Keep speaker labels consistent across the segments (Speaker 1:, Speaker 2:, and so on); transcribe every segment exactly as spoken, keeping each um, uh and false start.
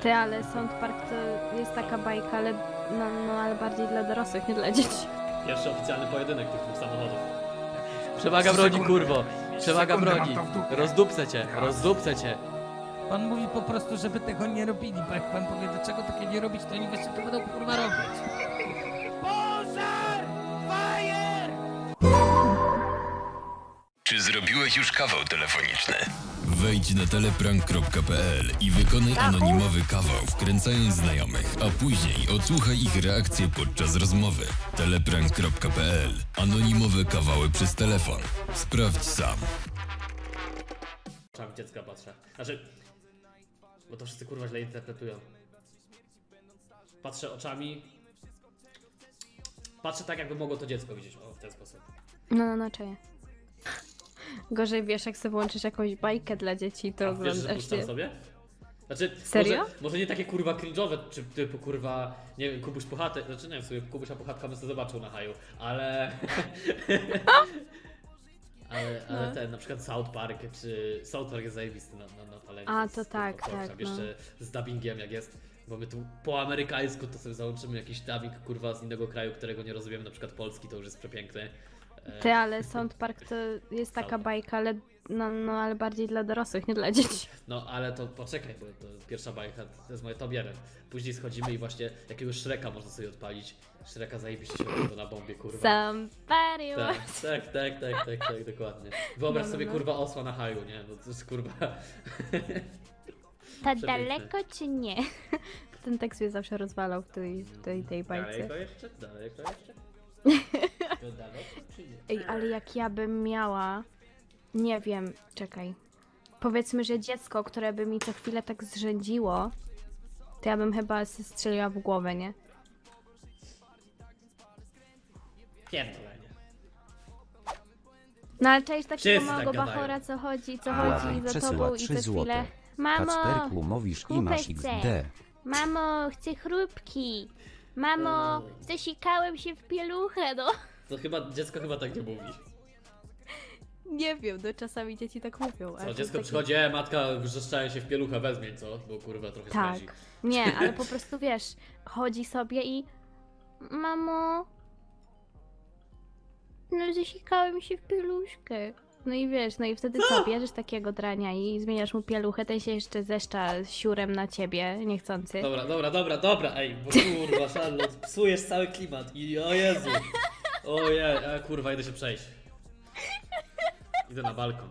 Speaker 1: Ty, ale Sound Park to jest taka bajka, ale, no, no, ale bardziej dla dorosłych, nie dla dzieci.
Speaker 2: Pierwszy oficjalny pojedynek tych dwóch samochodów. Przewaga broni, kurwo! Przewaga
Speaker 3: Sekundę,
Speaker 2: broni!
Speaker 3: mam to w dupie.
Speaker 2: Rozdupcę cię, rozdupcę cię!
Speaker 4: Pan mówi po prostu, żeby tego nie robili, bo jak pan powie, dlaczego takie nie robić, to oni właśnie to będą kurwa robić. Pożar! Fire!
Speaker 5: Czy zrobiłeś już kawał telefoniczny? Wejdź na teleprank kropka p l i wykonaj anonimowy kawał, wkręcając znajomych, a później odsłuchaj ich reakcje podczas rozmowy. teleprank kropka p l. Anonimowe kawały przez telefon. Sprawdź sam.
Speaker 2: Oczami dziecka patrzę. Znaczy... Bo to wszyscy kurwa źle interpretują. Patrzę oczami... Patrzę tak, jakby mogło to dziecko widzieć, o, w ten sposób.
Speaker 1: No, no, no, cześć. Gorzej wiesz, jak sobie włączysz jakąś bajkę dla dzieci, to
Speaker 2: A wiesz, że
Speaker 1: oglądasz
Speaker 2: puszczam
Speaker 1: je.
Speaker 2: sobie? Znaczy,
Speaker 1: Serio?
Speaker 2: Może, może nie takie kurwa cringe'owe, czy typu kurwa, nie wiem, Kubuś Puchatek, znaczy nie wiem, sobie Kubusia Puchatka bym sobie zobaczył na haju, ale... ale, ale
Speaker 1: No.
Speaker 2: ten, na przykład South Park, czy South Park jest zajebisty na, na, na talencie.
Speaker 1: A,
Speaker 2: z-
Speaker 1: to
Speaker 2: z
Speaker 1: tak,
Speaker 2: kurwa
Speaker 1: tak,
Speaker 2: Polska.
Speaker 1: no.
Speaker 2: Jeszcze z dubbingiem jak jest, bo my tu po amerykańsku to sobie załączymy jakiś dubbing kurwa z innego kraju, którego nie rozumiemy, na przykład polski, to już jest przepiękny. E,
Speaker 1: Ty, ale Sound Park to jest taka bajka, ale, no, no, ale bardziej dla dorosłych, nie dla dzieci.
Speaker 2: No ale to poczekaj, bo to pierwsza bajka to jest moje top jeden. Później schodzimy i właśnie jakiegoś Shreka można sobie odpalić. Shreka zajebiście się to na bombie, kurwa.
Speaker 1: Somebody
Speaker 2: Tak,
Speaker 1: was...
Speaker 2: tak, tak, tak, tak, tak, dokładnie. Wyobraź
Speaker 1: No, no,
Speaker 2: sobie
Speaker 1: no.
Speaker 2: kurwa osła na haju, nie? No to jest kurwa...
Speaker 1: Tak
Speaker 2: Przepiękne.
Speaker 1: daleko czy nie? Ten tekst mnie zawsze rozwalał w tej, w tej, tej bajce.
Speaker 2: Daleko jeszcze? Daleko jeszcze? To daleko czy nie?
Speaker 1: Ej, ale jak ja bym miała, nie wiem, czekaj. Powiedzmy, że dziecko, które by mi co chwilę tak zrzędziło, to ja bym chyba się strzeliła w głowę, nie?
Speaker 2: Pierdolenie.
Speaker 1: No ale cześć takiego
Speaker 2: Wszyscy tak
Speaker 1: małego
Speaker 2: gadają.
Speaker 1: bachora, co chodzi, co
Speaker 3: Błagaj,
Speaker 1: chodzi za
Speaker 6: przesyła
Speaker 1: tobą i
Speaker 6: trzy
Speaker 1: co chwilę.
Speaker 6: złote.
Speaker 1: Mamo,
Speaker 6: Kacperku mówisz i masz
Speaker 1: kupę chcę.
Speaker 6: iks de.
Speaker 1: Mamo, chcę chrupki. Mamo,
Speaker 2: Eee.
Speaker 1: zasikałem się w pieluchę, no.
Speaker 2: To chyba, dziecko chyba tak nie mówi.
Speaker 1: Nie wiem, no czasami dzieci tak mówią.
Speaker 2: Co, dziecko przychodzi, e, matka wrzeszczają się w pieluchę, wezmie, co? Bo kurwa trochę
Speaker 1: Tak.
Speaker 2: spędzi.
Speaker 1: Nie, ale po prostu wiesz, chodzi sobie i... Mamo... No zasikałem się w pieluszkę. No i wiesz, no i wtedy co, bierzesz takiego drania i zmieniasz mu pieluchę, ten się jeszcze zeszcza siurem na ciebie, niechcący.
Speaker 2: Dobra, dobra, dobra, dobra, ej, bo kurwa, Charlotte, psujesz cały klimat i o Jezu. Ojej, a kurwa, idę się przejść. Idę na balkon.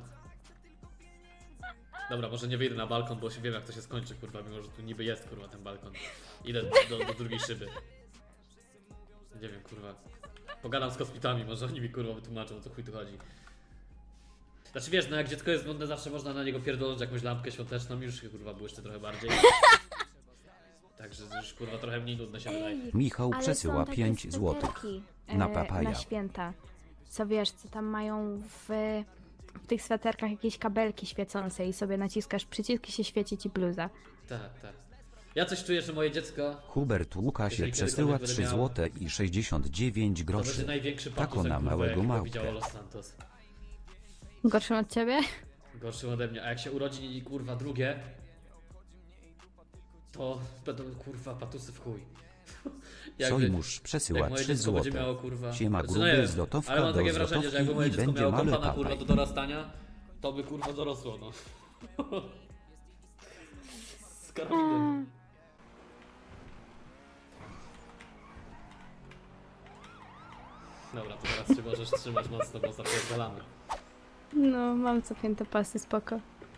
Speaker 2: Dobra, może nie wyjdę na balkon, bo się wiem jak to się skończy, kurwa, mimo że tu niby jest, kurwa, ten balkon. Idę do, do drugiej szyby. Nie wiem, kurwa. Pogadam z kosmitami, może oni mi, kurwa, wytłumaczą, o co chuj tu chodzi. Znaczy wiesz, no jak dziecko jest nudne, zawsze można na niego pierdolnąć jakąś lampkę świąteczną i już chyba było jeszcze trochę bardziej. Także już kurwa trochę mniej nudne się wydaje.
Speaker 6: Michał
Speaker 1: Ale
Speaker 6: przesyła
Speaker 1: są takie
Speaker 6: pięć złotych.
Speaker 1: sweterki,
Speaker 6: Na
Speaker 1: e,
Speaker 6: papaja.
Speaker 1: Na święta. Co wiesz, co tam mają w, w tych sweterkach jakieś kabelki świecące i sobie naciskasz przycisk i się świeci ci bluza.
Speaker 2: Tak, tak. Ja coś czuję, że moje dziecko
Speaker 6: Hubert Łukasie
Speaker 2: Jeżeli
Speaker 6: przesyła
Speaker 2: kiedykolwiek
Speaker 6: trzy
Speaker 2: będę miał-
Speaker 6: złote i sześćdziesiąt dziewięć
Speaker 2: to będzie
Speaker 6: groszy.
Speaker 2: największy
Speaker 6: Tako
Speaker 2: patus,
Speaker 6: na
Speaker 2: jak kurwa,
Speaker 6: małego
Speaker 2: jakiego
Speaker 6: małpkę.
Speaker 2: widziało Los Santos.
Speaker 1: Gorszym od ciebie?
Speaker 2: Gorszym ode mnie, a jak się urodzi i kurwa drugie, to będą kurwa patusy w chuj. Jakby-
Speaker 6: Sojmusz przesyła
Speaker 2: jak moje
Speaker 6: trzy
Speaker 2: dziecko będzie
Speaker 6: złote.
Speaker 2: miało kurwa...
Speaker 6: Siema
Speaker 2: Znaczy,
Speaker 6: gruby,
Speaker 2: nie wiem,
Speaker 6: złotówka
Speaker 2: ale mam
Speaker 6: do
Speaker 2: takie wrażenie, że jakby moje
Speaker 6: złotówki i
Speaker 2: dziecko
Speaker 6: będzie
Speaker 2: miało
Speaker 6: mały
Speaker 2: kompana kurwa
Speaker 6: papaj.
Speaker 2: do dorastania, to by kurwa dorosło, no. Z karabinem. Dobra, to teraz się możesz trzymać mocno, bo zapierdalamy.
Speaker 1: No, mam copięte pasy, spoko.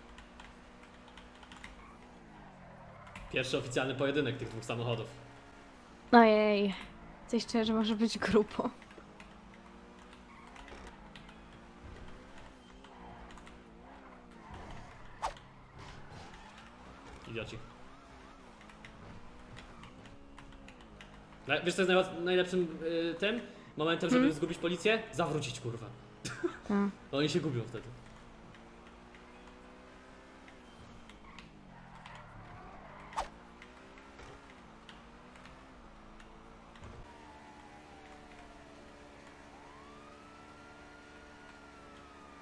Speaker 2: Pierwszy oficjalny pojedynek tych dwóch samochodów.
Speaker 1: Ojej, coś czuję, że może być grubo.
Speaker 2: Idioci. Na- Wiesz co jest najła- najlepszym y, tym momentem, żeby
Speaker 1: Hmm?
Speaker 2: zgubić policję? Zawrócić, kurwa.
Speaker 1: Tak.
Speaker 2: No oni się gubią wtedy.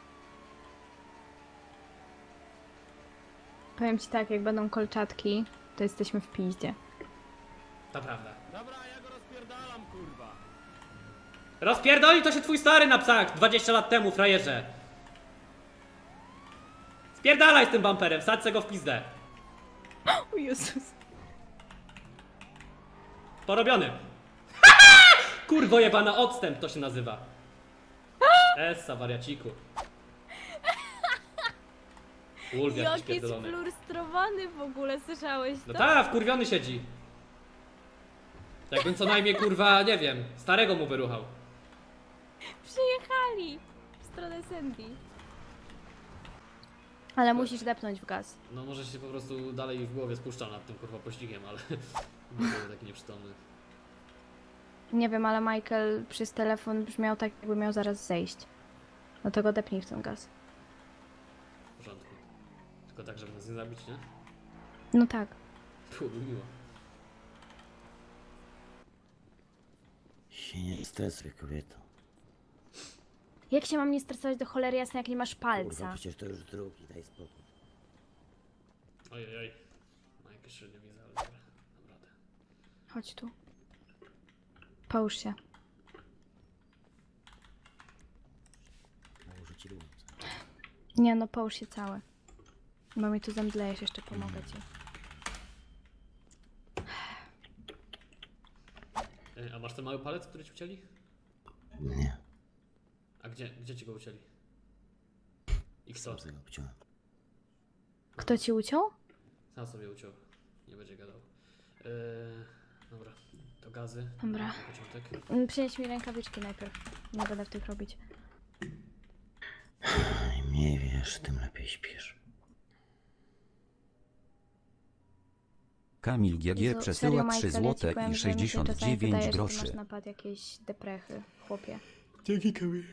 Speaker 1: Powiem ci tak, jak będą kolczatki, to jesteśmy w piździe.
Speaker 2: To prawda. Dobra, ja go rozpierdalam, kurwa. Rozpierdoli to się twój stary na psach dwadzieścia lat temu, frajerze. Spierdalaj z tym bumperem, wsadź se go w pizdę.
Speaker 1: O Jezus.
Speaker 2: Porobiony. Kurwo jebana, odstęp to się nazywa. Essa, wariaciku. Ulf jakiś
Speaker 1: Jaki jest
Speaker 2: pierdolony.
Speaker 1: frustrowany w ogóle, słyszałeś to?
Speaker 2: No tak, wkurwiony siedzi. Jakbym co najmniej, kurwa, nie wiem, starego mu wyruchał.
Speaker 1: Przyjechali w stronę Sandy. Ale musisz depnąć w gaz.
Speaker 2: No może się po prostu dalej w głowie spuszcza nad tym, kurwa, pościgiem, ale nie był taki nieprzytomny.
Speaker 1: Nie wiem, ale Michael przez telefon brzmiał tak, jakby miał zaraz zejść. No to go depnij w ten gaz.
Speaker 2: W porządku. Tylko tak, żeby nas nie zabić, nie?
Speaker 1: No tak.
Speaker 2: Byłoby miło.
Speaker 3: Się nie stresuj, kobieto.
Speaker 1: Jak się mam nie stresować do cholery jasnej, jak nie masz
Speaker 3: Kurwa,
Speaker 1: palca?
Speaker 3: przecież to już drugi, daj spokój.
Speaker 2: Ojej, oj. Ma jakieś średnio widzę, ale dobra. Naprawdę.
Speaker 1: Chodź tu. Połóż się.
Speaker 3: Nałożę ci ręce.
Speaker 1: Nie no, połóż się całe. Bo mi tu zemdlejesz, jeszcze pomogę ci.
Speaker 2: Ej, a masz ten mały palec, który ci ucięli?
Speaker 3: Nie,
Speaker 2: A gdzie, gdzie ci go ucięli? I co?
Speaker 3: sam sobie go obciąłem.
Speaker 1: Kto ci uciął?
Speaker 2: Sam sobie uciął. Nie będzie gadał. Eee, dobra, to gazy.
Speaker 1: Dobra.
Speaker 2: Na początek.
Speaker 1: Mm, Przynieś mi rękawiczki najpierw. Nie będę w tych robić.
Speaker 3: Im mniej wiesz, tym lepiej śpisz.
Speaker 6: Kamil G G
Speaker 1: Jezu,
Speaker 6: przesyła
Speaker 1: serio,
Speaker 6: trzy
Speaker 1: Michael, ja ci
Speaker 6: złote
Speaker 1: powiem,
Speaker 6: i
Speaker 1: że mi się
Speaker 6: sześćdziesiąt
Speaker 1: czasami
Speaker 6: dziewięć
Speaker 1: wydaje, że ty masz
Speaker 6: groszy.
Speaker 1: napad jakiejś deprechy, chłopie.
Speaker 2: Dzięki, Kamil.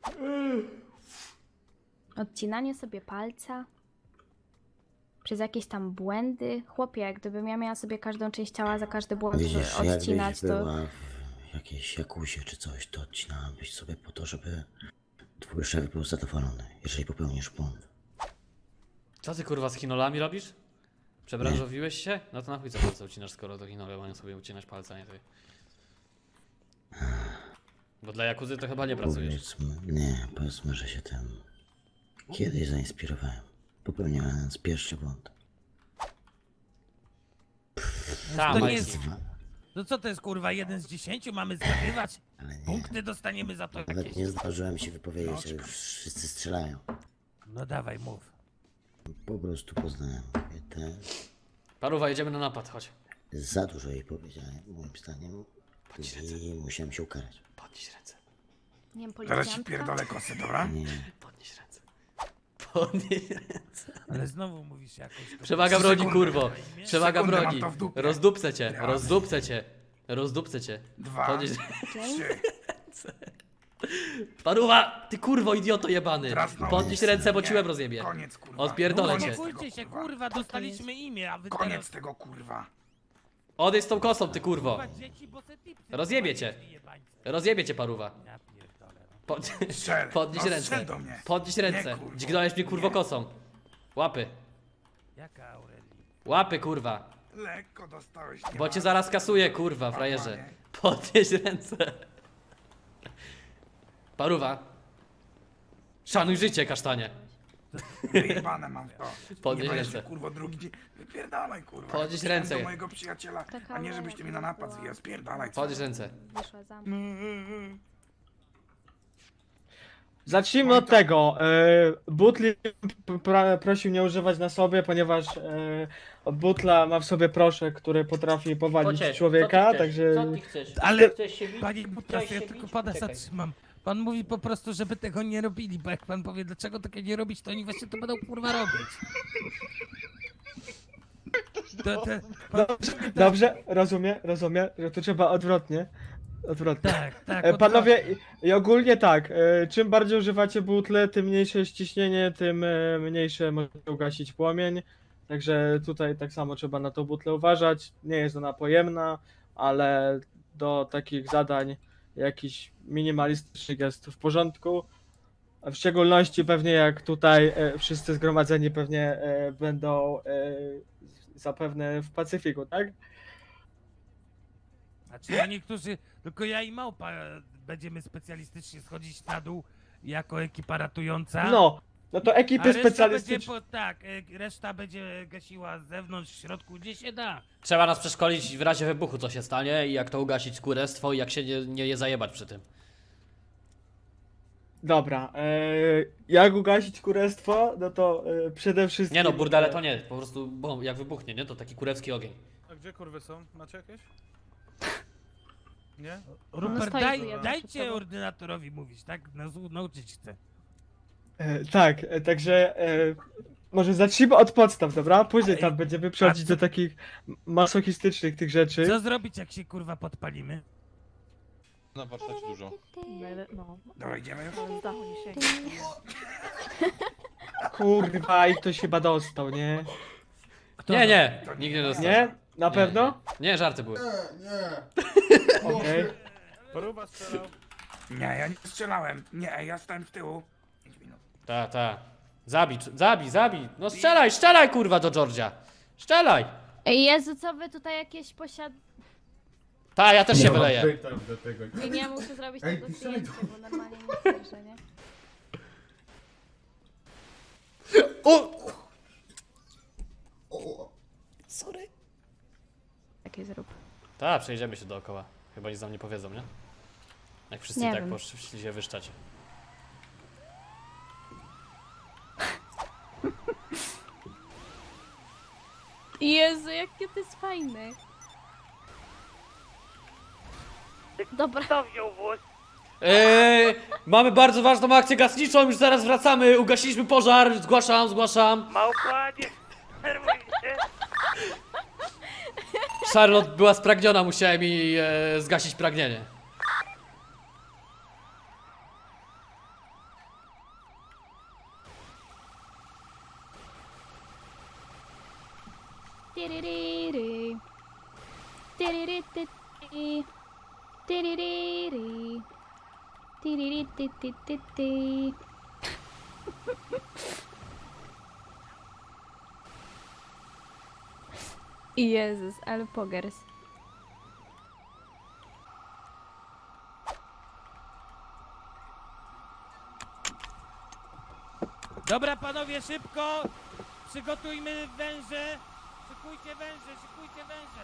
Speaker 1: Odcinanie sobie palca. Przez jakieś tam błędy. Chłopie, jak gdybym ja miała sobie każdą część ciała za każdy błąd
Speaker 3: Widzisz,
Speaker 1: odcinać,
Speaker 3: jakbyś
Speaker 1: to...
Speaker 3: była w jakiejś jakuzie czy coś, to odcinałabyś sobie po to, żeby twój szef był zadowolony, jeżeli popełnisz błąd.
Speaker 2: Co ty kurwa z chinolami robisz? Przebranżowiłeś się? No to na chuj co palce ucinasz, skoro to chinole mają sobie ucinać palce, a nie ty. Bo dla jakuzy to chyba nie pracujesz.
Speaker 3: Powiedzmy, nie, powiedzmy, że się tym kiedyś zainspirowałem. Popełniłem pierwszy błąd.
Speaker 2: Ta,
Speaker 4: To nie
Speaker 2: Majki.
Speaker 4: jest... No co to jest kurwa, jeden z dziesięciu mamy zgadywać?
Speaker 3: Ale nie,
Speaker 4: Punkty dostaniemy za to
Speaker 3: nawet
Speaker 4: jakieś.
Speaker 3: nie zdążyłem się wypowiedzieć, a już wszyscy strzelają.
Speaker 4: No dawaj, mów.
Speaker 3: Po prostu poznałem kobietę.
Speaker 2: Paruwa, jedziemy na napad, chodź.
Speaker 3: Za dużo jej powiedziałem, moim zdaniem.
Speaker 2: Podnieś ręce.
Speaker 3: I musiałem się ukarać.
Speaker 2: Podnieś ręce.
Speaker 1: Nie wiem,
Speaker 7: Zaraz ci
Speaker 1: policjantka?
Speaker 7: pierdolę kosy, dobra?
Speaker 3: Nie,
Speaker 2: Podnieś ręce. Podnieś ręce.
Speaker 4: Ale znowu mówisz jakoś... to-
Speaker 2: Przewaga
Speaker 7: Trzy
Speaker 2: broni,
Speaker 7: sekundy.
Speaker 2: kurwo. Przewaga
Speaker 7: Sekundę mam
Speaker 2: broni.
Speaker 7: to w dupie.
Speaker 2: Rozdupcę cię,
Speaker 7: Raz.
Speaker 2: rozdupcę cię. Rozdupcę cię.
Speaker 7: Dwa.
Speaker 2: Podnieś...
Speaker 7: Trzy.
Speaker 2: Paruwa, ty kurwo idioto jebany.
Speaker 7: Teraz no.
Speaker 2: Podnieś ręce, bo
Speaker 7: Nie.
Speaker 2: ci łeb rozjebie.
Speaker 7: Koniec, kurwa.
Speaker 2: Odpierdolę
Speaker 7: Koniec
Speaker 2: cię.
Speaker 7: tego,
Speaker 4: Uspokójcie się, kurwa, dostaliśmy imię, a wy
Speaker 7: Koniec
Speaker 4: teraz...
Speaker 7: tego, kurwa.
Speaker 2: Odejdź z tą kosą, ty kurwo.
Speaker 4: Kurwa, dzieci, bo se tipsy
Speaker 2: Rozjebie
Speaker 4: kurwa,
Speaker 2: cię.
Speaker 4: jeździ, jebańcy.
Speaker 2: Rozjebie cię, paruwa.
Speaker 4: Ja pierdolę. no.
Speaker 2: Pod...
Speaker 7: Strzel.
Speaker 2: Podnieś
Speaker 7: No,
Speaker 2: ręce.
Speaker 7: strzel do mnie.
Speaker 2: Podnieś ręce.
Speaker 7: Nie, kurwo.
Speaker 2: Dźgnąłeś mnie kurwo
Speaker 7: Nie.
Speaker 2: kosą. Łapy.
Speaker 4: Jaka Aureli?
Speaker 2: Łapy kurwa.
Speaker 7: Lekko dostałeś. nie
Speaker 2: Bo
Speaker 7: ma.
Speaker 2: cię zaraz kasuję kurwa, frajerze. Podnieś ręce. Paruwa. Szanuj życie, kasztanie.
Speaker 7: Wyjebane mam to.
Speaker 2: Podnieś
Speaker 7: Nie będziesz,
Speaker 2: ręce.
Speaker 7: kurwo, drugi dzień. Wypierdalaj, kurwa.
Speaker 2: Podnieś
Speaker 7: Ja
Speaker 2: ręce.
Speaker 7: do mojego przyjaciela,
Speaker 1: Taka
Speaker 7: a nie żebyś ty mnie na napad
Speaker 1: była.
Speaker 7: zwijał. Spierdalaj.
Speaker 2: Podnieś ręce.
Speaker 1: Wyszła za mną.
Speaker 8: Zacznijmy od tego. E, Butli p- pra, prosił nie używać na sobie, ponieważ e, Butla ma w sobie proszek, który potrafi powalić
Speaker 9: Pociesz,
Speaker 8: człowieka,
Speaker 9: co ty chcesz?
Speaker 8: także
Speaker 9: Co ty chcesz?
Speaker 4: Ale-
Speaker 9: Chcesz się bić?
Speaker 4: Panie
Speaker 9: Chciałeś
Speaker 4: Butas, ja
Speaker 9: się
Speaker 4: tylko
Speaker 9: bić?
Speaker 4: pana
Speaker 9: Czekaj.
Speaker 4: zatrzymam. Pan mówi po prostu, żeby tego nie robili, bo jak pan powie, dlaczego tego nie robić, to oni właśnie to będą kurwa robić. To, to, pan,
Speaker 8: dobrze, rozumiem, rozumiem, że to trzeba odwrotnie. Odwrotnie.
Speaker 4: tak, tak.
Speaker 8: E,
Speaker 4: od-
Speaker 8: Panowie, i, i ogólnie tak, e, czym bardziej używacie butle, tym mniejsze jest ciśnienie, tym e, mniejsze może ugasić płomień. Także tutaj tak samo trzeba na tą butlę uważać. Nie jest ona pojemna, ale do takich zadań jakiś minimalistycznych jest w porządku. W szczególności pewnie jak tutaj e, wszyscy zgromadzeni pewnie e, będą e, zapewne w Pacyfiku, tak?
Speaker 4: Znaczy ja niektórzy, tylko ja i Małpa e, będziemy specjalistycznie schodzić na dół jako ekipa ratująca.
Speaker 8: No, no to
Speaker 4: A
Speaker 8: ekipy
Speaker 4: reszta będzie
Speaker 8: specjalistyczne.
Speaker 4: po, tak, e, reszta będzie gasiła z zewnątrz, w środku, gdzie się da.
Speaker 2: Trzeba nas przeszkolić w razie wybuchu, co się stanie i jak to ugasić kurestwo i jak się nie, nie je zajebać przy tym.
Speaker 8: Dobra, e, jak ugasić kurestwo, no to e, przede wszystkim...
Speaker 2: Nie no, burdele to
Speaker 8: e,
Speaker 2: nie, po prostu bo jak wybuchnie, nie? To taki kurewski ogień.
Speaker 9: A gdzie kurwy są? Macie jakieś? Nie?
Speaker 4: Rupert,
Speaker 1: stoi
Speaker 4: daj,
Speaker 1: tu jeden przed
Speaker 4: dajcie
Speaker 1: tobą.
Speaker 4: ordynatorowi mówić, tak? Nas nauczyć chcę.
Speaker 8: E, tak, e, także e, może zacznijmy od podstaw, dobra? Później tam będziemy przechodzić
Speaker 4: co-
Speaker 8: do takich masochistycznych tych rzeczy.
Speaker 4: Co zrobić, jak się kurwa podpalimy?
Speaker 9: Na warsztacie dużo.
Speaker 1: No,
Speaker 7: Dobra, idziemy już?
Speaker 1: z dachu nie sięga.
Speaker 8: Kurwa, i ktoś chyba dostał, nie?
Speaker 2: Nie, nie, nikt nie dostał.
Speaker 8: Nie? Na
Speaker 2: Nie,
Speaker 8: pewno?
Speaker 2: Nie, nie, żarty były.
Speaker 8: Okej.
Speaker 9: Poruba strzelał.
Speaker 7: Nie, ja nie strzelałem. Nie, ja stałem z tyłu. pięć minut.
Speaker 2: Ta, ta. Zabij, zabij, zabij. No strzelaj, strzelaj kurwa do Georgia. Strzelaj.
Speaker 1: Ej, Jezu, co wy tutaj jakieś posiad...
Speaker 2: Ta, ja też się wyleję.
Speaker 1: I nie muszę zrobić tego zdjęcia, bo normalnie nie słyszę, nie?
Speaker 2: O!
Speaker 1: Takie zrób.
Speaker 2: Ta, przejdziemy się dookoła. Chyba nic nam nie powiedzą, nie? Jak wszyscy
Speaker 1: Nie
Speaker 2: tak
Speaker 1: wiem.
Speaker 2: poszli się wyszczać.
Speaker 1: Jezu, jakie to jest fajne. Dobra.
Speaker 2: Eee, mamy bardzo ważną akcję gasniczą, już zaraz wracamy. Ugasiliśmy pożar, zgłaszam, zgłaszam.
Speaker 10: Małpanie, nerwuj się.
Speaker 2: Charlotte była spragniona, musiałem jej e, zgasić pragnienie.
Speaker 1: Tiririri. Tiririti. Tiririri. Tirirititititi. Jezus, ale pogers.
Speaker 4: Dobra panowie, szybko! Przygotujmy węże! Szykujcie węże, szykujcie węże!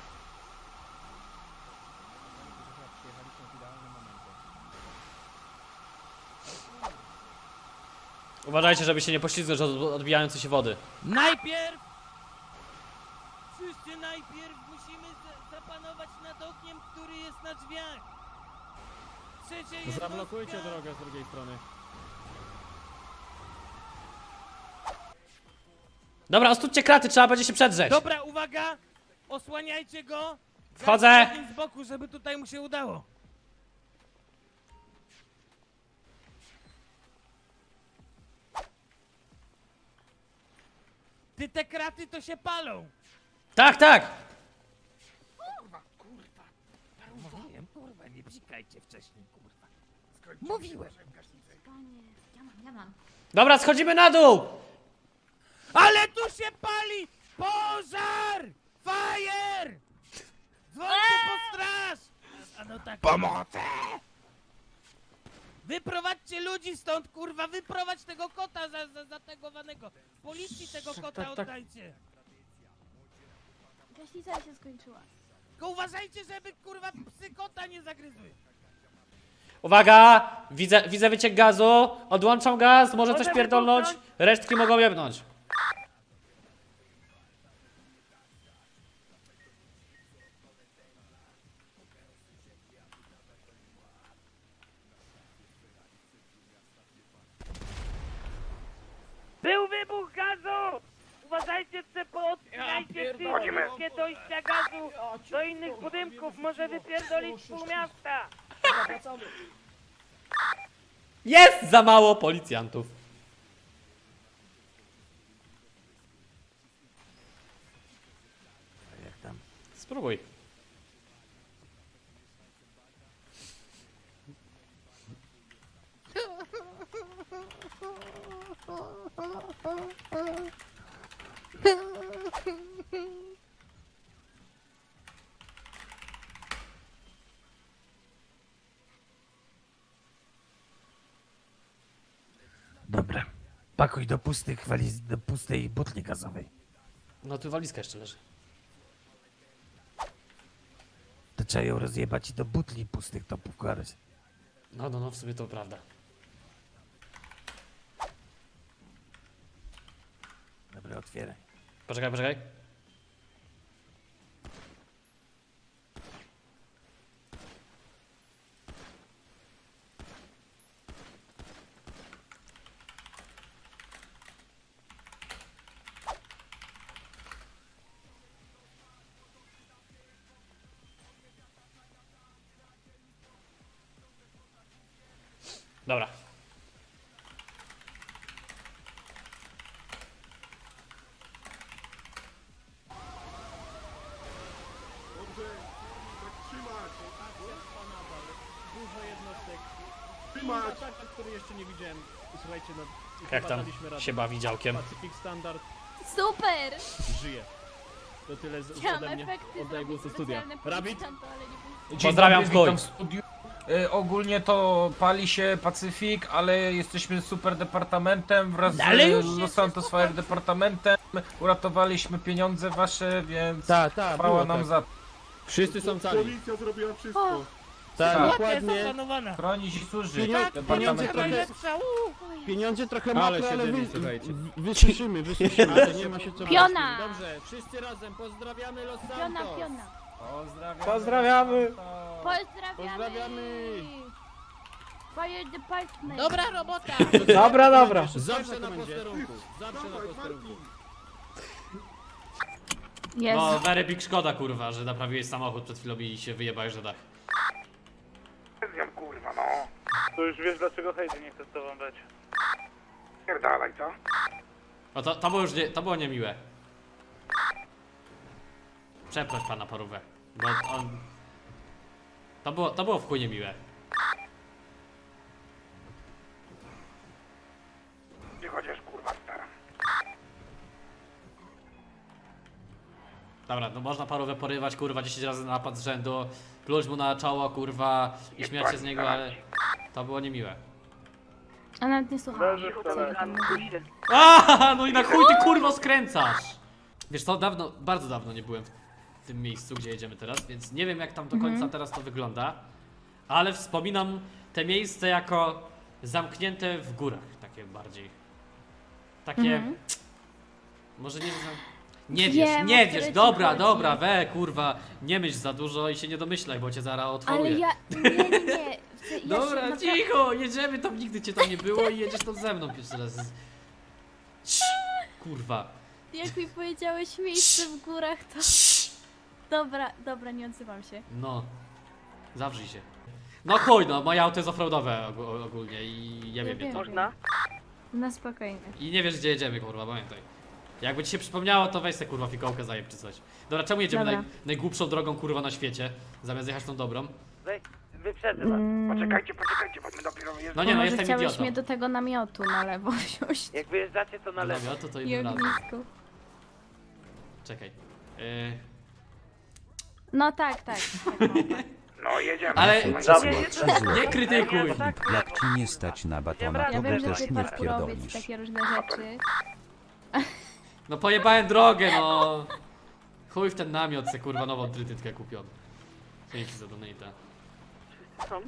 Speaker 2: Uważajcie, żeby się nie poślizgnąć od odbijającej się wody.
Speaker 4: Najpierw! Wszyscy najpierw musimy za zapanować nad ogniem, który jest na drzwiach! Trzecia jednostka!
Speaker 2: Zablokujcie drogę z drugiej strony. Dobra, ostudźcie kraty, trzeba będzie się przedrzeć.
Speaker 4: Dobra, uwaga! Osłaniajcie go!
Speaker 2: Wchodzę.
Speaker 4: Dajcie ogień z boku, żeby tutaj mu się udało. Ty, te kraty to się palą!
Speaker 2: Tak, tak!
Speaker 4: Mówiłem, kurwa, nie psikajcie wcześniej, kurwa. Mówiłem.
Speaker 2: Dobra, schodzimy na dół!
Speaker 4: Ale tu się pali! Pożar! Fire! Dzwońcie po straż! A no tak.
Speaker 7: Pomocy!
Speaker 4: Wyprowadźcie ludzi stąd, kurwa! Wyprowadź tego kota za, za, zategowanego! Policji tego kota
Speaker 8: tak, tak.
Speaker 4: oddajcie!
Speaker 1: Gaśnica się skończyła.
Speaker 4: Tylko uważajcie, żeby, kurwa, psy kota nie zagryzły!
Speaker 2: Uwaga! Widzę, widzę wyciek gazu. Odłączam gaz, może coś pierdolnąć. Resztki mogą jebnąć.
Speaker 10: Był wybuch gazu! Uważajcie, że poodcinajcie wszystkie dojścia gazu do innych budynków. Może wypierdolić pół miasta.
Speaker 2: Jest za mało policjantów.
Speaker 4: Jak tam?
Speaker 2: Spróbuj.
Speaker 4: Pakuj do pustych waliz, do pustej butli gazowej.
Speaker 2: No tu walizka jeszcze leży.
Speaker 4: To trzeba ją rozjebać i do butli pustych to powkładać.
Speaker 2: No, no, no, w sumie to prawda.
Speaker 4: Dobra, otwieraj.
Speaker 2: Poczekaj, poczekaj. Dobra. Jak tam się bawi działkiem?
Speaker 1: Super!
Speaker 11: Żyje. To tyle z,
Speaker 1: Chciałam
Speaker 11: ode mnie.
Speaker 1: efekty
Speaker 11: Oddaję głos do
Speaker 1: zrobić
Speaker 11: studia.
Speaker 1: specjalne
Speaker 11: Rabbit?
Speaker 1: policjantom, ale nie wiem.
Speaker 2: Pozdrawiam w chuj.
Speaker 7: Y, ogólnie to pali się Pacyfik, ale jesteśmy super departamentem wraz
Speaker 4: Ale już
Speaker 7: z
Speaker 4: się
Speaker 7: Los Santos Fire Departamentem. Uratowaliśmy pieniądze wasze, więc
Speaker 11: Tak, tak,
Speaker 7: chwała
Speaker 11: było
Speaker 7: nam
Speaker 11: tak.
Speaker 7: za
Speaker 11: Wszyscy są cali.
Speaker 9: Policja zrobiła wszystko.
Speaker 11: Tak,
Speaker 7: Tak.
Speaker 11: dokładnie.
Speaker 4: Zapanowana.
Speaker 7: chronić i służyć
Speaker 11: Pieniądze-
Speaker 7: departamentowi.
Speaker 4: Najlepsza,
Speaker 11: Pieniądze trochę
Speaker 9: Ale
Speaker 11: mokre,
Speaker 9: się
Speaker 11: ale
Speaker 9: dymi,
Speaker 11: wy,
Speaker 9: słuchajcie.
Speaker 11: w- wysuszymy, wysuszymy, to nie ma się co
Speaker 1: Piona!
Speaker 11: martwić. Dobrze, wszyscy razem pozdrawiamy Los Santos.
Speaker 1: Piona, piona.
Speaker 7: Pozdrawiamy.
Speaker 8: Pozdrawiamy.
Speaker 1: Pozdrawiamy!
Speaker 11: Pozdrawiamy.
Speaker 1: Fire Department!
Speaker 4: Dobra robota!
Speaker 8: Dobra, dobra.
Speaker 11: Zawsze na posterunku, zawsze na posterunku.
Speaker 1: Jest.
Speaker 2: No, very big szkoda, kurwa, że naprawiłeś samochód przed chwilą i się wyjebałeś, że tak.
Speaker 7: Kurwa, no.
Speaker 10: To już wiesz, dlaczego Heidi nie chce z tobą być.
Speaker 7: Pierdalaj, co?
Speaker 2: No to, to było już nie, to było niemiłe. Przeproś pana Parówę, bo on... To było, to było w chuj niemiłe.
Speaker 7: Nie chociaż kurwa stara.
Speaker 2: Dobra, no można Parówę porywać, kurwa, dziesięć razy na napad z rzędu, pluć mu na czoło, kurwa, i śmiać się z niego, ale... To było niemiłe.
Speaker 1: A nawet nie słuchałam.
Speaker 10: Leży w telefonie.
Speaker 2: A, no i na chuj ty kurwo skręcasz! Wiesz co, dawno, bardzo dawno nie byłem w tym miejscu, gdzie jedziemy teraz, więc nie wiem jak tam do końca teraz to wygląda, ale wspominam te miejsce jako zamknięte w górach, takie bardziej. Takie...
Speaker 1: Mhm.
Speaker 2: Może nie wiem... Nie
Speaker 1: Wiem,
Speaker 2: wiesz,
Speaker 1: o
Speaker 2: nie
Speaker 1: które
Speaker 2: wiesz,
Speaker 1: ci
Speaker 2: dobra,
Speaker 1: chodzi.
Speaker 2: dobra, we, kurwa, nie myśl za dużo i się nie domyślaj, bo cię zaraz otworuję.
Speaker 1: Ale ja... Nie, nie, nie. Ja się
Speaker 2: Dobra,
Speaker 1: naprawdę-
Speaker 2: cicho, jedziemy tam, nigdy cię tam nie było i jedziesz tam ze mną pierwszy raz. Cii, kurwa.
Speaker 1: Jak mi powiedziałeś miejsce w górach, to... Dobra, dobra, nie odzywam się.
Speaker 2: No, zawrzyj się. No chuj, no, moje auto jest offroadowe og- ogólnie i ja wiem,
Speaker 1: wiem.
Speaker 2: to.
Speaker 10: Można?
Speaker 1: Na spokojnie.
Speaker 2: I nie wiesz gdzie jedziemy, kurwa, pamiętaj. Jakby ci się przypomniało, to weź se kurwa fikołkę zajeb czy coś. Dobra, czemu jedziemy
Speaker 1: Dobra.
Speaker 2: naj, najgłupszą drogą kurwa na świecie, zamiast jechać tą dobrą?
Speaker 10: Wej, wyprzedzę was.
Speaker 1: Mm,
Speaker 7: Poczekajcie, poczekajcie, bo my dopiero jest.
Speaker 2: No nie no,
Speaker 1: może
Speaker 2: jestem
Speaker 1: chciałeś
Speaker 2: idiotą.
Speaker 1: mnie do tego namiotu na lewo wziąć.
Speaker 10: Jak wyjeżdżacie, to na lewo.
Speaker 2: Dobra, to to
Speaker 1: I
Speaker 2: innym razem.
Speaker 1: ognisko.
Speaker 2: Czekaj. Yy,
Speaker 1: No tak, tak. tak małpa.
Speaker 7: No jedziemy.
Speaker 2: ale
Speaker 6: Złotki
Speaker 2: nie krytykuj!
Speaker 6: Filip, jak ci nie stać na batona,
Speaker 10: Ja
Speaker 6: to
Speaker 1: Ja
Speaker 6: by
Speaker 1: wiem, że
Speaker 6: też
Speaker 1: ty
Speaker 6: nie
Speaker 1: parkurowiec i
Speaker 6: wpierdolisz.
Speaker 1: takie różne rzeczy.
Speaker 2: No pojebałem drogę, no! Chuj w ten namiot, se kurwa nową trytytkę kupiony. Dzięki za donata.
Speaker 10: Są?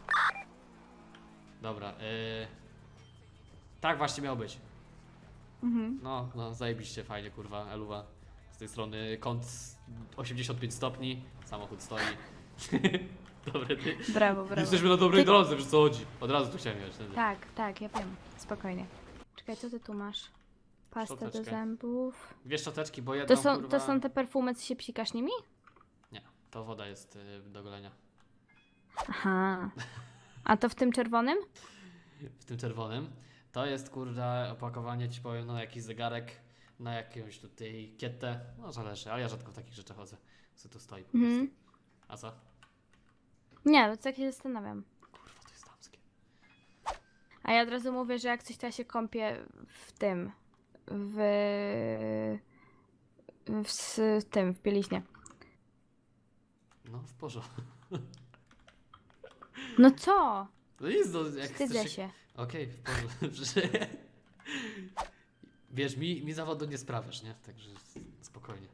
Speaker 2: Dobra, yy... tak właśnie miało być.
Speaker 1: Mhm.
Speaker 2: No, no, zajebiście, fajnie, kurwa, Eluwa. Z tej strony kąt osiemdziesiąt pięć stopni, samochód stoi. Dobre, ty.
Speaker 1: Brawo, brawo.
Speaker 2: Jesteśmy na dobrej
Speaker 1: Ty-
Speaker 2: drodze, wiesz co chodzi. Od razu tu chciałem jechać. wtedy.
Speaker 1: Tak, tak, ja wiem. Spokojnie. Czekaj, co ty tu masz? Pasta do
Speaker 2: Szczoteczkę.
Speaker 1: zębów.
Speaker 2: Dwie szczoteczki, bo jedną,
Speaker 1: To są,
Speaker 2: kurwa...
Speaker 1: to są te perfumy, co się psikasz nimi?
Speaker 2: Nie, to woda jest yy, do golenia.
Speaker 1: Aha. A to w tym czerwonym?
Speaker 2: W tym czerwonym. To jest, kurde, opakowanie, ci powiem, na jakiś zegarek, na jakąś tutaj kietę. No, zależy, ale ja rzadko w takich rzeczach chodzę. Co tu stoi po prostu.
Speaker 1: Mhm.
Speaker 2: A co?
Speaker 1: Nie, to tak się zastanawiam.
Speaker 2: Kurwa, to jest damskie.
Speaker 1: A ja od razu mówię, że jak coś to ja się kąpię w tym. W... W s- tym, w bieliźnie.
Speaker 2: No, w porządku.
Speaker 1: No co?
Speaker 2: No nic, no, jak
Speaker 1: Wstydzę
Speaker 2: chcesz
Speaker 1: się.
Speaker 2: Okej, w porządku. Wiesz, mi, mi zawodu nie sprawiasz, nie? Także spokojnie.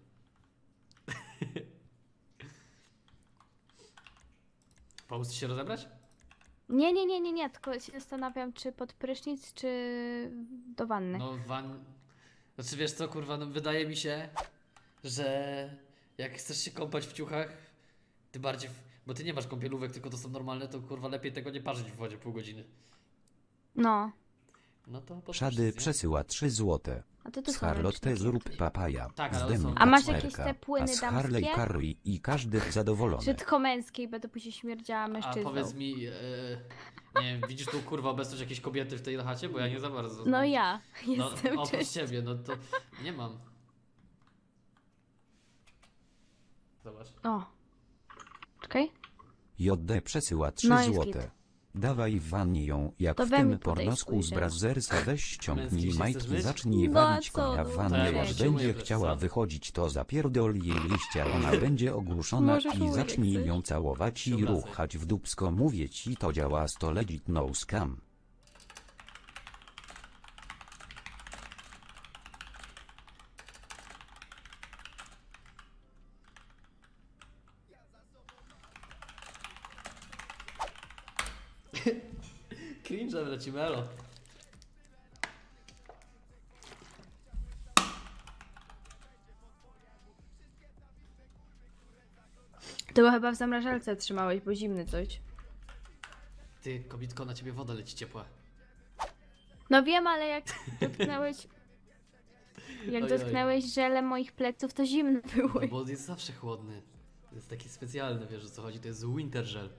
Speaker 2: Pomóc ci się rozebrać?
Speaker 1: Nie, nie, nie, nie, nie, tylko się zastanawiam, czy pod prysznic, czy do wanny.
Speaker 2: No van... Znaczy wiesz co, kurwa, no wydaje mi się, że jak chcesz się kąpać w ciuchach, ty bardziej... W... Bo ty nie masz kąpielówek, tylko to są normalne, to kurwa lepiej tego nie parzyć w wodzie pół godziny.
Speaker 1: No.
Speaker 2: No to pod
Speaker 6: Szady
Speaker 2: prysznic, nie?
Speaker 6: przesyła trzy złote.
Speaker 1: A to tu
Speaker 6: Z
Speaker 1: są
Speaker 6: Charlotte
Speaker 1: ręczniki
Speaker 6: zrób
Speaker 1: jakieś.
Speaker 6: papaja.
Speaker 2: Tak, ale
Speaker 6: z
Speaker 2: one
Speaker 6: Demi
Speaker 2: są-
Speaker 1: A masz
Speaker 6: kacperka,
Speaker 1: jakieś te płyny
Speaker 6: a z Harley
Speaker 1: damskie?
Speaker 6: Carry i każdy zadowolony.
Speaker 1: Czy tylko męskiej, będę później śmierdziała
Speaker 2: A
Speaker 1: mężczyzną.
Speaker 2: powiedz mi, e, nie wiem, widzisz tu kurwa obecność jakiejś kobiety w tej chacie? Bo ja nie za bardzo.
Speaker 1: No ja
Speaker 2: No,
Speaker 1: jestem
Speaker 2: oprócz
Speaker 1: częścią.
Speaker 2: ciebie, no to nie mam. Zobacz.
Speaker 1: O. Czekaj.
Speaker 6: J D przesyła trzy
Speaker 1: No jest
Speaker 6: złote.
Speaker 1: git.
Speaker 6: Dawaj w wannie ją, jak
Speaker 1: To
Speaker 6: w
Speaker 1: we mnie
Speaker 6: tym
Speaker 1: podaj
Speaker 6: pornosku z
Speaker 1: spojrzę.
Speaker 6: Brazersa, weź ściągnij
Speaker 2: Męski się
Speaker 6: majtki,
Speaker 2: chcesz myć?
Speaker 6: zacznij
Speaker 1: No a
Speaker 6: walić
Speaker 1: co,
Speaker 6: konia
Speaker 1: no,
Speaker 6: w
Speaker 2: to
Speaker 6: wannie,
Speaker 2: ja
Speaker 6: jak
Speaker 2: może się
Speaker 6: będzie
Speaker 2: umyję, wiesz
Speaker 6: chciała
Speaker 2: co?
Speaker 6: wychodzić, to zapierdol jej liścia, ona będzie ogłuszona
Speaker 1: Możesz
Speaker 6: i
Speaker 1: umyć, jak
Speaker 6: zacznij
Speaker 1: chcesz.
Speaker 6: ją całować
Speaker 2: Się
Speaker 6: i
Speaker 2: obracaj.
Speaker 6: ruchać w dupsko, mówię ci, to działa sto legit no scam.
Speaker 2: Cringe, lecimy, elo.
Speaker 1: To bo chyba w zamrażalce trzymałeś, bo zimny coś.
Speaker 2: Ty, kobitko, na ciebie woda leci ciepła.
Speaker 1: No wiem, ale jak dotknęłeś... Jak
Speaker 2: Oj, oj.
Speaker 1: dotknęłeś żelem moich pleców, to zimne były.
Speaker 2: No bo on jest zawsze chłodny. To jest taki specjalny, wiesz o co chodzi, to jest winter gel.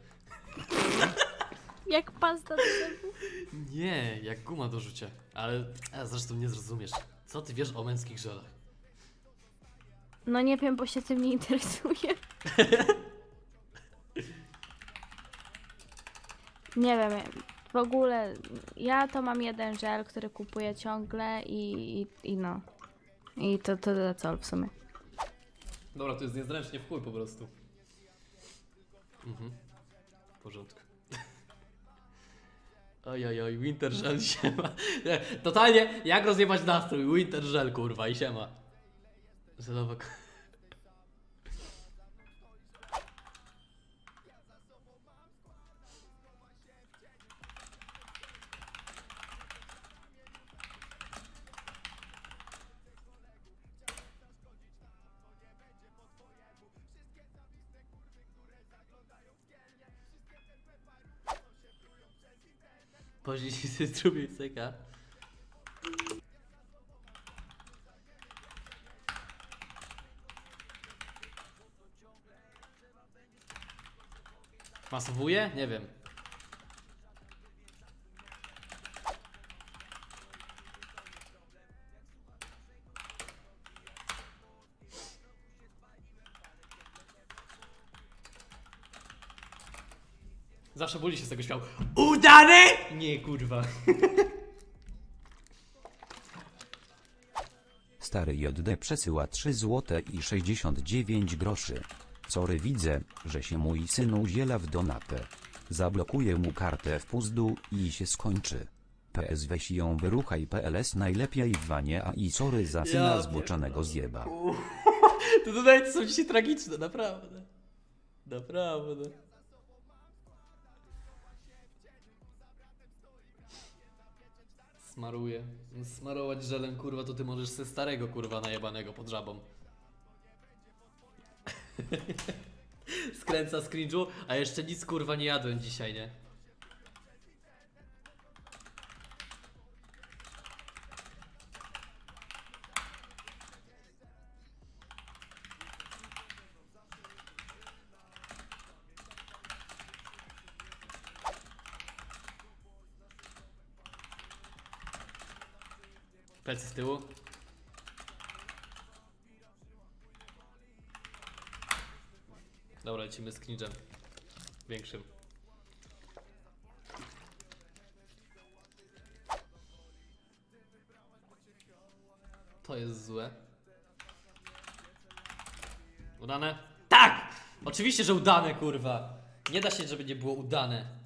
Speaker 1: Jak pasta do zębów.
Speaker 2: Nie, jak guma do rzucia. Ale a zresztą nie zrozumiesz. Co ty wiesz o męskich żelach?
Speaker 1: No nie wiem, bo się tym nie interesuję. Nie wiem, w ogóle ja to mam jeden żel, który kupuję ciągle i, i, i no. I to to that's all w sumie.
Speaker 2: Dobra, to jest niezręcznie w chuj po prostu. Mhm. W porządku. Oj, oj, oj, winter gel, siema. Nie, totalnie, jak rozjebać nastrój? Winter gel, kurwa, i siema. Żelowa k- Później się strumień seka. Masowuje? Nie wiem. Zawsze boli się z tego śmiał. Udany! Nie, kurwa.
Speaker 6: Stary J D przesyła trzy złote i sześćdziesiąt dziewięć groszy. Sorry, widzę, że się mój syn udziela w donatę. Zablokuję mu kartę w puzdu i się skończy. P S weź ją wyruchaj P L S najlepiej w wanie, a i sorry za syna
Speaker 2: Ja
Speaker 6: zboczonego zjeba.
Speaker 2: To dodaje, są dzisiaj tragiczne, naprawdę. Naprawdę. Smaruję. Smarować żelem, kurwa, to ty możesz se starego, kurwa, najebanego pod żabą. Skręca z cringe'u, a jeszcze nic, kurwa, nie jadłem dzisiaj, nie? Plecy z tyłu. Dobra, lecimy z cringe'em. Większym. To jest złe. Udane? Tak! Oczywiście, że udane, kurwa. Nie da się, żeby nie było udane.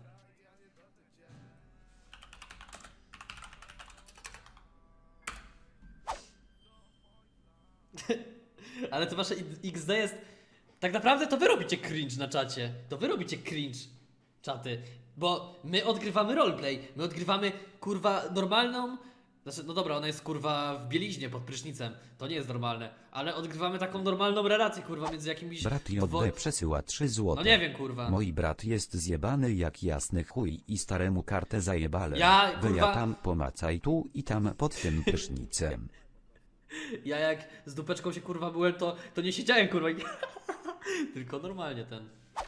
Speaker 2: Ale to wasze X D jest... Tak naprawdę to wy robicie cringe na czacie. To wy robicie cringe, czaty. Bo my odgrywamy roleplay. My odgrywamy, kurwa, normalną... Znaczy, no dobra, ona jest, kurwa, w bieliźnie pod prysznicem. To nie jest normalne. Ale odgrywamy taką normalną relację, kurwa, między jakimiś...
Speaker 6: Brat
Speaker 2: dwo-
Speaker 6: J D przesyła trzy złote.
Speaker 2: No nie wiem, kurwa.
Speaker 6: Mój brat jest zjebany jak jasny chuj i staremu kartę zajebale.
Speaker 2: Ja,
Speaker 6: Wy
Speaker 2: kurwa-
Speaker 6: ja tam pomacaj tu i tam pod tym prysznicem.
Speaker 2: Ja jak z dupeczką się, kurwa, byłem, to, to nie siedziałem, kurwa. i- Tylko normalnie ten...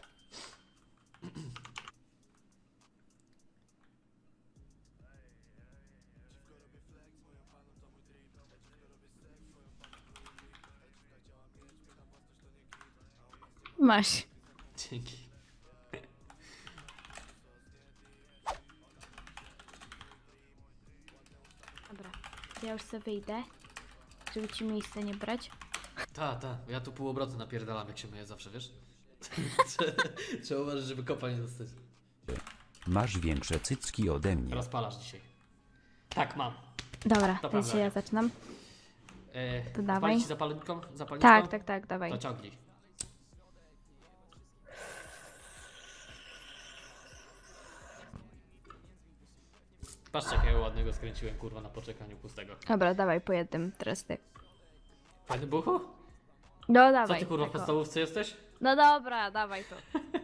Speaker 1: Masz.
Speaker 2: Dzięki.
Speaker 1: Dobra, ja już sobie wyjdę, żeby ci miejsce nie brać.
Speaker 2: Ta, ta, ja tu pół obrotu napierdalam, jak się myję zawsze, wiesz? Trzeba uważać, żeby kopa nie dostać.
Speaker 6: Masz większe cycki ode mnie.
Speaker 2: Rozpalasz dzisiaj. Tak, mam.
Speaker 1: Dobra,
Speaker 2: To
Speaker 1: to
Speaker 2: prawda.
Speaker 1: się ja zaczynam.
Speaker 2: E,
Speaker 1: To dawaj.
Speaker 2: Spalić ci zapalniczką? Zapalniczką?
Speaker 1: Tak, tak, tak, dawaj.
Speaker 2: To ciągnij. Patrzcie, jakiego ładnego skręciłem, kurwa, na poczekaniu pustego.
Speaker 1: Dobra, dawaj po jednym, teraz ty.
Speaker 2: Fajny buchu?
Speaker 1: No
Speaker 2: Co
Speaker 1: dawaj.
Speaker 2: ty, kurwa, w
Speaker 1: tak o.
Speaker 2: podstawówce jesteś?
Speaker 1: No dobra, dawaj to.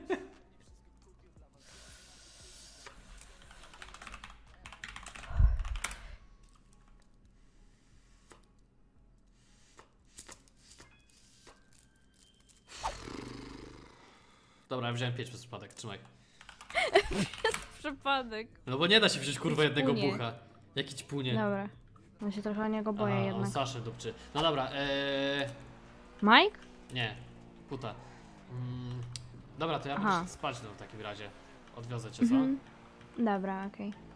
Speaker 2: Dobra, ja wziąłem pięć przez przypadek, trzymaj.
Speaker 1: Przypadek.
Speaker 2: No bo nie da się wziąć, kurwa, jednego
Speaker 1: Ćpunie.
Speaker 2: bucha. Jaki ćpunie.
Speaker 1: Dobra. Ja się trochę o niego boję
Speaker 2: Aha,
Speaker 1: jednak.
Speaker 2: on Saszę dupczy. No dobra, eee...
Speaker 1: Mike?
Speaker 2: Nie, puta. Mm, dobra, to ja
Speaker 1: Aha.
Speaker 2: muszę spać no, w takim razie. Odwiozę cię, co?
Speaker 1: Mhm. Dobra, okej.